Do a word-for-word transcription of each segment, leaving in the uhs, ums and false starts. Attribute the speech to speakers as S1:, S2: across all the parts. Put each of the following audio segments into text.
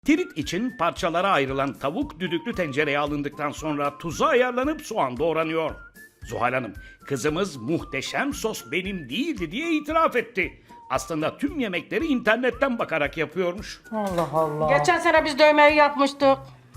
S1: Tirit için parçalara ayrılan tavuk düdüklü tencereye alındıktan sonra tuza ayarlanıp soğan doğranıyor. Zuhal Hanım, kızımız muhteşem sos benim değildi diye itiraf etti. Aslında tüm yemekleri internetten bakarak yapıyormuş.
S2: Allah Allah.
S3: Geçen sene biz dövmeyi yapmıştık.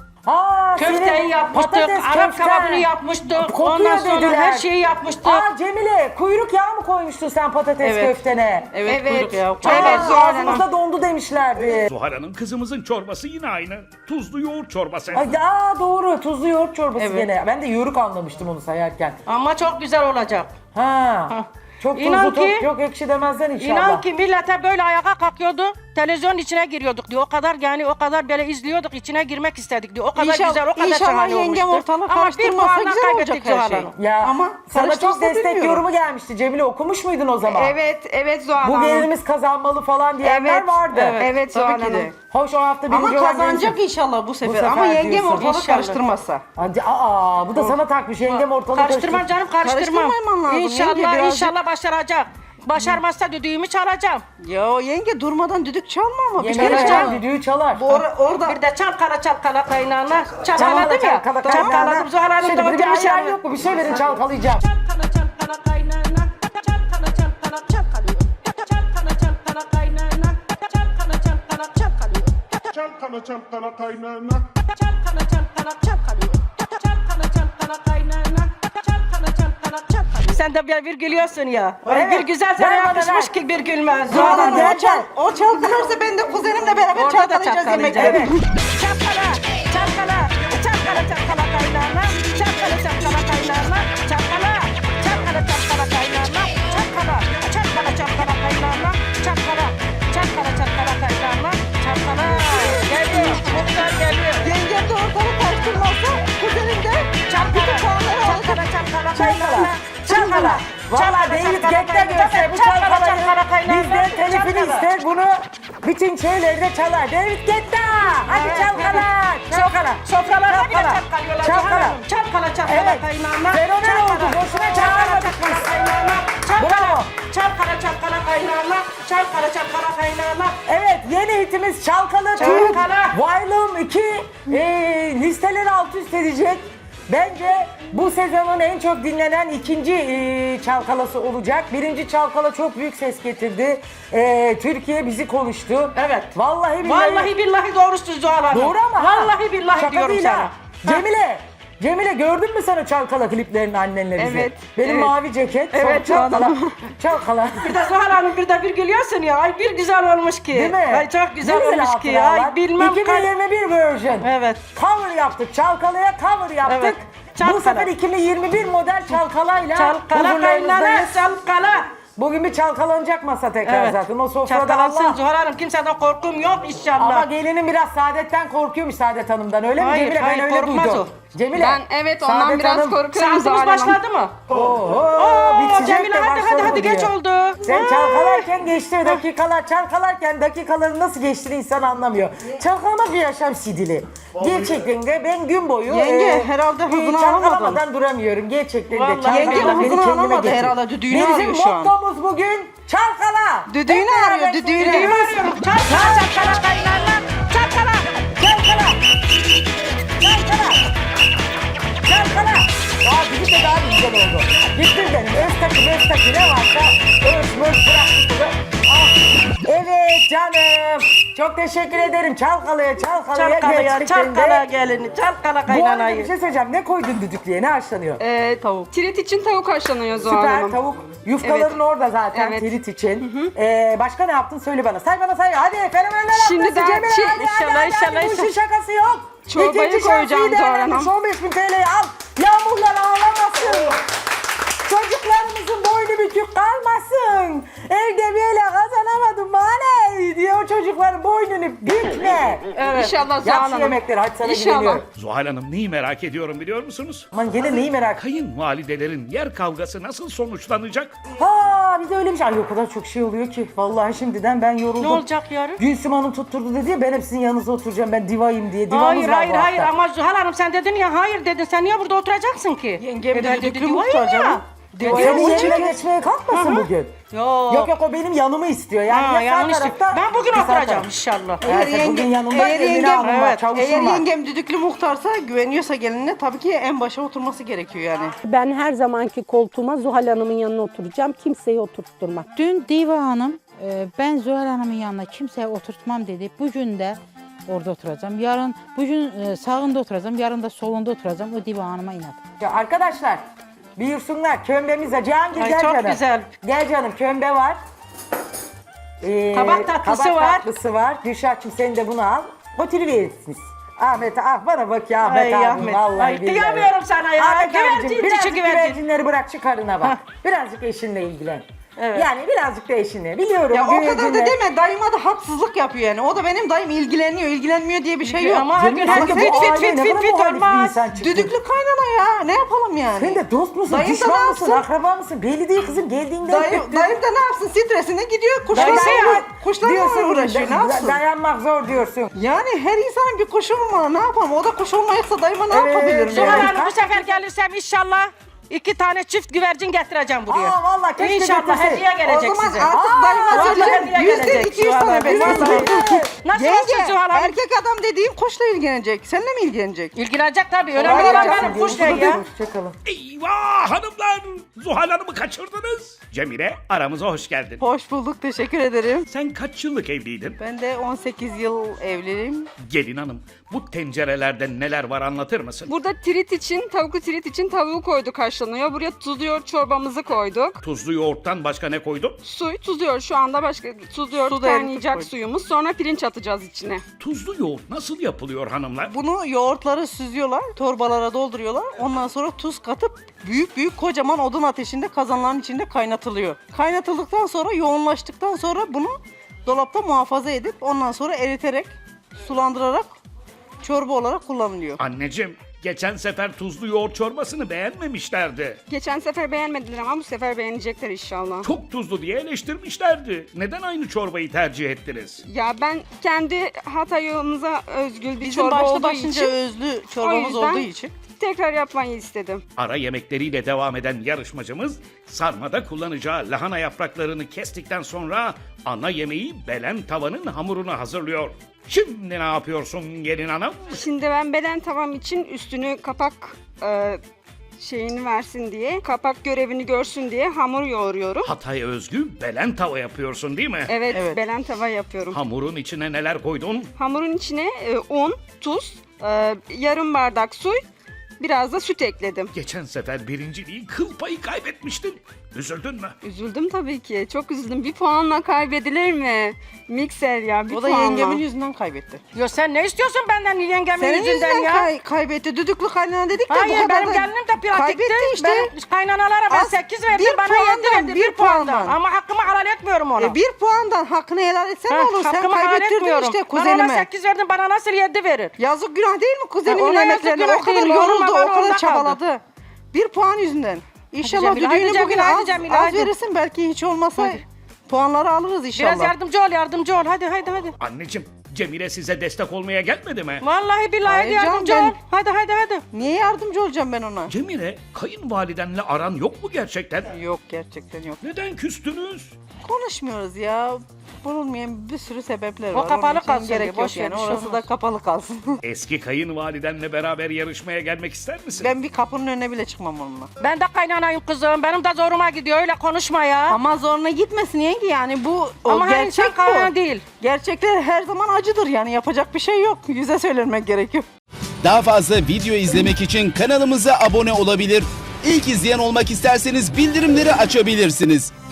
S2: Aa,
S3: Köfteyi
S2: senin
S3: yapmıştık,
S2: patates
S3: Arap
S2: köften.
S3: kebabını yapmıştık.
S2: Kokuyor
S3: Ondan sonra
S2: dediler.
S3: her şeyi yapmıştık.
S2: Aa Cemile, kuyruk yağı mı koymuştun sen patates
S3: Evet.
S2: köftene?
S3: Evet,
S4: Evet.
S3: kuyruk yağı.
S2: Aa,
S4: Evet, Zuhal Hanım.
S2: ağzımızda dondu demişlerdi.
S1: Zuhal Hanım, kızımızın çorbası yine aynı. Tuzlu yoğurt çorbası.
S2: Ay, aa doğru, tuzlu yoğurt çorbası
S3: Evet.
S2: gene. Ben de yoğuruk anlamıştım onu sayarken.
S3: Ama çok güzel olacak.
S2: Ha.
S3: Ha.
S2: Çok tuzlu,
S3: İnan
S2: çok,
S3: ki-
S2: çok ekşi demezden inşallah.
S3: İnan ki millete böyle ayağa kalkıyordu. Televizyonun içine giriyorduk diyor. O kadar yani o kadar böyle izliyorduk, içine girmek istedik diyor. O kadar
S4: İnşallah-
S3: güzel, o kadar
S4: inşallah
S3: şahane
S4: yengem
S3: olmuştu.
S4: ortalığı
S3: Ama bir
S4: karıştırmasa
S3: puanla
S4: güzel olacak
S3: kaybettik
S4: her
S3: Zuhal
S4: şey.
S3: Hanım.
S2: Ya
S4: Ama
S2: sana çok
S4: karıştırsa
S2: destek
S4: bilmiyorum.
S2: yorumu gelmişti Cemile, okumuş muydun o zaman?
S4: Evet, evet Zuhal
S2: Bu
S4: Hanım.
S2: gelinimiz kazanmalı falan diyenler
S4: Evet,
S2: vardı.
S4: evet, evet Zuhal
S3: tabii ki de.
S4: Hanım.
S2: Hoş, o hafta birinci
S4: Ama
S2: olan
S4: kazanacak
S2: neyse.
S4: inşallah bu sefer.
S2: sefer
S4: Ama yengem
S2: diyorsun.
S4: ortalığı
S3: İnşallah.
S4: karıştırmasa.
S2: Hadi aa, bu da sana takmış yengem ortalığı
S3: Karıştırmam
S2: karıştır-
S3: canım, karıştırmam.
S4: Karıştırmaman lazım.
S3: İnşallah,
S4: Yenge birazcık-
S3: inşallah başaracak. Başarmazsa düdüğümü çalacağım.
S4: Yo yenge durmadan düdük çalma ama. Bir
S2: Yemeğe
S4: kere
S2: çal,
S4: çal.
S2: düdüğü çalar.
S4: Bu or- orada
S3: Bir de çalkala çalkala kaynağına.
S2: Çalkala,
S3: Çalkaladım ya.
S2: çalkala,
S3: Çalkaladım Zuhal Hanım
S2: Şimdi
S3: da
S2: bir de
S3: oturmuş
S2: ayran
S3: yanına.
S2: yok mu? Bir şey verin, çalkalayacağım.
S3: Çalkala çalkala kaynağına. Çalkala çalkala çalkalıyor. Çalkala çalkala kaynağına. Çalkala çalkala çalkalıyor.
S5: Çalkala çalkala kaynana.
S3: Çalkala çalkala çalkalıyor. Çalkala çalkala kaynağına. Çalkala çalkala çalkalıyor. Sen de bir, bir gülüyorsun ya. Ay,
S2: Evet.
S3: bir güzel
S2: Ver
S3: sana
S2: bana,
S3: yakışmış
S2: ver.
S3: ki bir gülmez.
S2: Zuhal
S4: Zuhal
S2: Hanım,
S4: Hanım,
S2: gel,
S4: o, çal,
S2: gel.
S4: o çalkalarsa ben de kuzenimle beraber
S3: Orada da
S4: çalkalayacağız
S3: çalkalayacağız.
S4: yemekleri.
S2: Evet.
S3: Çalkala, çalkala, çalkala çalkala kaynağına, çalkala çalkala kaynağına, çalkala, çalkala çalkala kaynağına, çalkala, çalkala çalkala kaynağına, çalkala, çalkala çalkala kaynağına, çalkala. Geliyor, muhtar geliyor.
S4: Yengem de ortalığı karıştırmazsa kuzenim de bütün puanları alacak.
S3: Çalkala çalkala
S2: Çalkala,
S3: kaynağına,
S2: çalkala. Valla David Guetta görse bu çalkalayı bizden telifini ister, bunu bütün şeylerde çalar. David Guetta! Hadi çalkala, çalkala.
S3: Sofralarda bile
S2: Çalkala,
S3: çalkalıyorlar.
S2: çalkala.
S3: Çalkala çalkala
S2: Evet.
S3: kaynağına.
S2: Fenomen oldu,
S3: çalkala,
S2: boşuna
S3: çalkala
S2: çağırmadık
S3: çalkala
S2: biz.
S3: kaynağına.
S2: Bravo.
S3: Çalkala, çalkala çalkala kaynağına. Çalkala çalkala kaynağına.
S2: Evet, yeni hitimiz Çalkala Türk.
S3: Çalkala.
S2: Volume iki e, listeleri alt üst edecek. Bence bu sezonun en çok dinlenen ikinci e, çalkalası olacak. Birinci çalkala çok büyük ses getirdi. E, Türkiye bizi konuştu.
S3: Evet.
S2: Vallahi billahi.
S3: Vallahi billahi doğrusu Zuhal Hanım.
S2: Doğru ama ha.
S3: Vallahi billahi
S2: Şaka
S3: diyorum
S2: değil
S3: sana.
S2: ha. Cemile. Cemile, gördün mü sen o çalkala kliplerini annenle bizi?
S4: Evet,
S2: Benim
S4: evet.
S2: mavi ceket. sonra
S4: Evet,
S2: çalkala.
S4: canım.
S2: Çalkala.
S3: Bir de Zuhal Hanım bir de bir gülüyorsun ya. Ay bir güzel olmuş ki.
S2: Değil mi?
S3: Ay çok güzel
S2: Ne
S3: olmuş ki.
S2: hatıralar.
S3: Ay bilmem
S2: iki bin
S3: kaç.
S2: yirmi bir version.
S3: Evet.
S2: Cover yaptık. Çalkalaya cover yaptık.
S3: Evet.
S2: Bu
S3: Çalkala.
S2: sefer iki bin yirmi bir model çalkalayla
S3: Çalkala kaynana,
S2: huzurlarınızdayız.
S3: çalkala.
S2: Bugün bir çalkalanacak masa tekrar
S3: Evet.
S2: zaten. O sofrada
S3: Çalkalansın
S2: Allah.
S3: Zuhal Hanım. Kimseden korkum yok inşallah.
S2: Ama gelinin biraz Saadetten korkuyormuş, Saadet Hanım'dan. Öyle mi
S3: Hayır,
S2: Cemile?
S3: hayır,
S2: ben öyle
S3: korkmaz
S2: duydum. Cemile.
S6: Ben evet ondan
S2: Saadet
S6: biraz
S2: Hanım-
S6: korkuyorum
S3: Saatimiz
S6: Zuhal Hanım.
S3: başladı mı?
S2: Oo,
S3: Oo,
S2: bitecek
S3: Cemile
S2: de
S3: hadi hadi
S2: başladı
S3: hadi
S2: diyor.
S3: geç oldu.
S2: Sen
S3: Ha.
S2: çalkalarken geçti dakikalar, çalkalarken dakikaların nasıl geçtiğini insan anlamıyor. Çalkalamak bir yaşam sidili. Gerçekten de ben gün boyu
S4: Yenge, herhalde hızını
S2: çalkalamadan
S4: alamadın.
S2: duramıyorum. Gerçekten de
S3: Vallahi
S2: çalkalamak
S4: yenge
S2: beni
S4: hızını
S2: kendime
S4: alamadı
S2: getiriyor.
S4: herhalde, düdüğünü
S2: Bizim
S4: arıyor şu an.
S2: mottomuz bugün çalkala.
S4: Düdüğünü
S2: Hep beraber
S4: arıyor, düdüğünü.
S2: söylüyoruz.
S3: Arıyorum. Çalkala çalkala kaynana. Çalkala.
S2: Çalkala. Çalkala. Çalkala. Aa, bizim de daha güzel oldu. Gittim benim. Öztaki, Öztaki ne varsa öz, möz bıraktık bunu. Ah. Evet canım. Çok teşekkür ederim. Çalkalaya, çalkalaya.
S3: Çalkala ya.
S2: gerçekten de.
S3: Çalkala gelini. Çalkala
S2: Bu arada bir
S3: kaynanayı.
S2: şey söyleyeceğim. Ne koydun düdüklüye? Ne haşlanıyor?
S6: Ee,
S4: Tavuk.
S6: Tirit için tavuk haşlanıyor Zuhal
S2: Süper
S6: Hanım.
S2: tavuk. Yufkaların
S6: Evet.
S2: orada zaten
S6: Evet.
S2: tirit için. Ee, başka ne yaptın? Söyle bana. Say bana say. Hadi fenomenler
S6: Şimdi
S2: haftası
S6: ben
S2: Cemile.
S6: çi-
S2: Hadi, hadi,
S3: İnşallah,
S2: hadi,
S3: inşallah,
S2: hadi. Bu işin
S3: inşallah.
S2: şakası yok.
S6: Çorbayı
S2: İkinci
S6: koyacağım
S2: şansı
S6: Zuhal
S2: değerlendir.
S6: Hanım.
S2: on beş bin T L'yi al. Yağmurlar ağlamasın. Çocuklarımızın boynu bükük kalmasın. Evde böyle kazanamadım bana diye o çocukların boynunu bükme.
S6: Evet. İnşallah Zuhal
S2: Yap şu
S6: Hanım.
S2: yemekleri, hadi sana
S6: İnşallah.
S2: güveniyorum.
S1: Zuhal Hanım, neyi merak ediyorum biliyor musunuz?
S2: Aman gene neyi merak
S1: Kayınvalidelerin yer kavgası nasıl sonuçlanacak?
S2: Ha bir de öyle bir şey. Ay o kadar çok şey oluyor ki. Vallahi şimdiden ben yoruldum.
S3: Ne olacak yarın?
S2: Gülsüm Hanım tutturdu dedi ya, ben hep sizin yanınızda oturacağım, ben divayım diye. Divamız
S3: Hayır
S2: var
S3: hayır
S2: bu
S3: hayır
S2: hafta.
S3: ama Zuhal Hanım sen dedin ya hayır dedin. Sen niye burada oturacaksın ki?
S4: Yengem
S3: E
S4: de
S3: ben
S4: düdüklü
S3: dedi,
S4: muhtar
S3: "Vay ya."
S4: canım.
S2: Senin yerine geçmeye kalkmasın bugün.
S3: Yok.
S2: Yok yok o benim yanımı istiyor. Yani
S3: Ha,
S2: ya
S3: yanlış
S2: sağ
S3: değil.
S2: tarafta,
S3: Ben bugün
S2: bir sağ
S3: oturacağım
S2: taraf.
S3: inşallah.
S2: Eğer
S4: Eğer
S2: bugün
S4: yengem,
S2: yanımda
S4: eğer
S2: Emine
S4: yengem,
S2: Hanım var,
S4: evet,
S2: çavuşum
S4: eğer
S2: var.
S4: yengem düdüklü muhtarsa, güveniyorsa gelinine tabii ki en başa oturması gerekiyor yani.
S7: Ben her zamanki koltuğuma Zuhal Hanım'ın yanına oturacağım. Kimseyi oturtturmam.
S8: Dün Diva Hanım e, ben Zuhal Hanım'ın yanına kimseye oturtmam dedi. Bugün de orada oturacağım. Yarın bugün e, sağında oturacağım. Yarın da solunda oturacağım. O Diva Hanım'a inat.
S2: Ya arkadaşlar buyursunlar kömbemiz var. Cihangir
S3: Ay,
S2: gel
S3: çok
S2: canım.
S3: güzel.
S2: Gel canım kömbe var. Ee,
S3: Kabak tatlısı
S2: kabak
S3: var.
S2: tatlısı var. Gülşah'cığım sen de bunu al. Götürüverirsiniz. Ahmet ah bana bak ya Ahmet
S3: Ay,
S2: abim
S3: Ahmet.
S2: vallahi
S3: Ay,
S2: billahi.
S3: kıyamıyorum sana ya.
S2: Ahmet
S3: Güvercin,
S2: abicim
S3: dişi
S2: birazcık
S3: güvercin.
S2: güvercinleri bırak şu karına bak. Birazcık eşinle ilgilen.
S3: Evet.
S2: Yani birazcık da eşinle. Biliyorum
S4: Ya o kadar da
S2: güvercinler-
S4: deme, dayıma da haksızlık yapıyor yani. O da benim dayım ilgileniyor, ilgilenmiyor diye bir şey yok.
S3: Ama her
S2: Canım,
S3: gün
S2: ama
S3: her gün
S2: bu
S3: fit fit
S2: aile
S3: fit
S2: ne
S3: fit
S2: kadar
S3: fit
S2: muhalif bir
S3: olmaz.
S2: insan çıktı.
S4: Düdüklü kaynana ya, ne yapalım yani?
S2: Sen de dost musun,
S4: Dayım da
S2: düşman
S4: ne
S2: mısın,
S4: yapsın?
S2: akraba mısın? Belli değil kızım geldiğinde.
S4: Dayım, dayım da ne yapsın, stresine gidiyor, kuşlarla,
S2: Dayısı ya.
S4: kuşlarla
S2: Diyorsun,
S4: uğraşıyor, ne
S2: da-
S4: yapsın?
S2: Dayanmak zor diyorsun.
S4: Yani her insanın bir kuşu var, ne yapalım? O da kuş olmayacaksa dayıma ne
S2: Evet,
S4: yapabilirim
S2: evet.
S3: Zuhal
S4: yani?
S3: Hanım bu sefer gelirsem inşallah iki tane çift güvercin getireceğim buraya.
S2: Aa vallahi keşke
S3: İnşallah
S2: getirsen.
S3: hediye gelecek
S4: O zaman
S3: size.
S4: artık
S2: Aa,
S4: dayıma
S3: vallahi
S4: söyleyeceğim,
S3: hediye
S4: yüzde
S3: gelecek
S4: iki yüz
S3: Zuhal
S4: tane
S3: Hanım,
S4: bekliyorum.
S3: vallahi. Nasıl olsun Zuhal Hanım?
S4: Erkek adam dediğin kuşla ilgilenecek. Seninle mi ilgilenecek?
S3: İlgilenecek tabii.
S2: Kolay
S3: Önemli olan
S2: gelsin
S3: benim kuş
S2: diyoruz.
S3: değil ya.
S2: Hoşçakalın.
S1: Eyvah hanımlar! Zuhal Hanım'ı kaçırdınız. Cemile aramıza hoş geldin.
S4: Hoş bulduk, teşekkür ederim.
S1: Sen kaç yıllık evliydin?
S4: Ben de on sekiz yıl evliyim.
S1: Gelin hanım bu tencerelerde neler var anlatır mısın?
S6: Burada trit için, tavuklu trit için tavuğu koyduk haşlanıyor. Buraya tuzlu yoğurt çorbamızı koyduk.
S1: Tuzlu yoğurttan başka ne koydun?
S6: Suyu tuzlu yoğurt şu anda başka tuzlu yoğurt
S4: Su da eritip
S6: kaynayacak
S4: koyduk.
S6: suyumuz. Sonra pirinç atacağız içine.
S1: Tuzlu yoğurt nasıl yapılıyor hanımlar?
S4: Bunu yoğurtları süzüyorlar, torbalara dolduruyorlar. Ondan sonra tuz katıp büyük büyük kocaman odun ateşinde kazanların içinde kaynatılıyor. Kaynatıldıktan sonra, yoğunlaştıktan sonra bunu dolapta muhafaza edip ondan sonra eriterek, sulandırarak çorba olarak kullanılıyor.
S1: Anneciğim geçen sefer tuzlu yoğurt çorbasını beğenmemişlerdi.
S6: Geçen sefer beğenmediler ama bu sefer beğenecekler inşallah.
S1: Çok tuzlu diye eleştirmişlerdi. Neden aynı çorbayı tercih ettiniz?
S6: Ya ben kendi Hatay'ımıza özgül bir
S4: Bizim
S6: çorba
S4: başlı
S6: olduğu
S4: başınca
S6: için
S4: özlü
S6: o
S4: çorbamız
S6: yüzden
S4: olduğu için.
S6: tekrar yapmayı istedim.
S1: Ara yemekleriyle devam eden yarışmacımız sarmada kullanacağı lahana yapraklarını kestikten sonra ana yemeği belen tavanın hamurunu hazırlıyor. Şimdi ne yapıyorsun gelin hanım?
S6: Şimdi ben beden tavam için üstünü kapak e, şeyini versin diye, kapak görevini görsün diye hamur yoğuruyorum.
S1: Hatay özgü belen tava yapıyorsun değil mi?
S6: Evet,
S4: Evet.
S6: belen tava yapıyorum.
S1: Hamurun içine neler koydun?
S6: Hamurun içine e, un, tuz, e, yarım bardak su, biraz da süt ekledim.
S1: Geçen sefer birinciliği kıl payı kaybetmiştin. Üzüldün mü?
S6: Üzüldüm tabii ki. Çok üzüldüm. Bir puanla kaybedilir mi? Mikser ya bir
S4: O da
S6: puanla.
S4: yengemin yüzünden kaybetti.
S3: Yo sen ne istiyorsun benden yengemin
S4: Senin
S3: yüzünden
S4: yüzünden
S3: ya?
S4: kay- kaybetti. Düdüklü kaynana dedik de bu
S3: Hayır
S4: kadar
S3: benim
S4: da-
S3: gelinim de pratikti.
S4: Kaybetti işte.
S3: Benim kaynanalara ben
S4: Az-
S3: sekiz verdim
S4: bir
S3: bana
S4: puandan,
S3: yedi verdi.
S4: bir
S3: Bir puandan.
S4: puandan.
S3: Ama hakkımı helal etmiyorum ona.
S4: E bir puandan hakkını helal etsen
S3: Ha,
S4: ne olur? Sen
S3: hakkımı helal
S4: kaybettirdin
S3: etmiyorum.
S4: işte
S3: Ben ona
S4: kuzenime.
S3: sekiz verdim bana nasıl yedi verir?
S4: Yazık günah değil mi kuzenimin
S3: Ha, ona yazık
S4: emeklerine?
S3: günah
S4: O kadar
S3: değil, yorulma
S4: yoruldu, o
S3: bana,
S4: kadar
S3: onda
S4: çabaladı. Bir puan yüzünden. İnşallah
S3: Cemile, haydi
S4: düdüğünü
S3: Cemile,
S4: bugün
S3: haydi
S4: az,
S3: Cemile,
S4: az
S3: haydi.
S4: verirsin. Belki hiç olmasa puanları alırız inşallah.
S3: Biraz yardımcı ol yardımcı ol hadi hadi hadi.
S1: Anneciğim Cemile size destek olmaya gelmedi mi?
S3: Vallahi billahi hadi
S4: Hayır canım,
S3: yardımcı
S4: ben-
S3: ol. Hadi hadi hadi.
S4: Niye yardımcı olacağım ben ona?
S1: Cemile kayınvalidenle aran yok mu gerçekten?
S4: Yok, gerçekten yok.
S1: Neden küstünüz?
S4: Konuşmuyoruz ya. Bulunmayan bir sürü sebepler
S3: O
S4: var.
S3: kapalı
S4: Onun için
S3: kalsın
S4: gerek
S3: diye,
S4: yok
S3: boş ver,
S4: yani.
S3: bir şey
S4: Orası da
S3: olmaz.
S4: kapalı kalsın.
S1: Eski kayınvalidenle beraber yarışmaya gelmek ister misin?
S4: Ben bir kapının önüne bile çıkmam onunla.
S3: Ben de kaynanayım kızım. Benim de zoruma gidiyor öyle konuşma ya.
S4: Ama zoruna gitmesin yenge yani bu o
S3: Ama her
S4: gerçek
S3: insan kaynana
S4: bu.
S3: değil.
S4: Gerçekler her zaman acıdır yani yapacak bir şey yok. Yüze söylenmek gerekiyor.
S9: Daha fazla video izlemek için kanalımıza abone olabilir. İlk izleyen olmak isterseniz bildirimleri açabilirsiniz.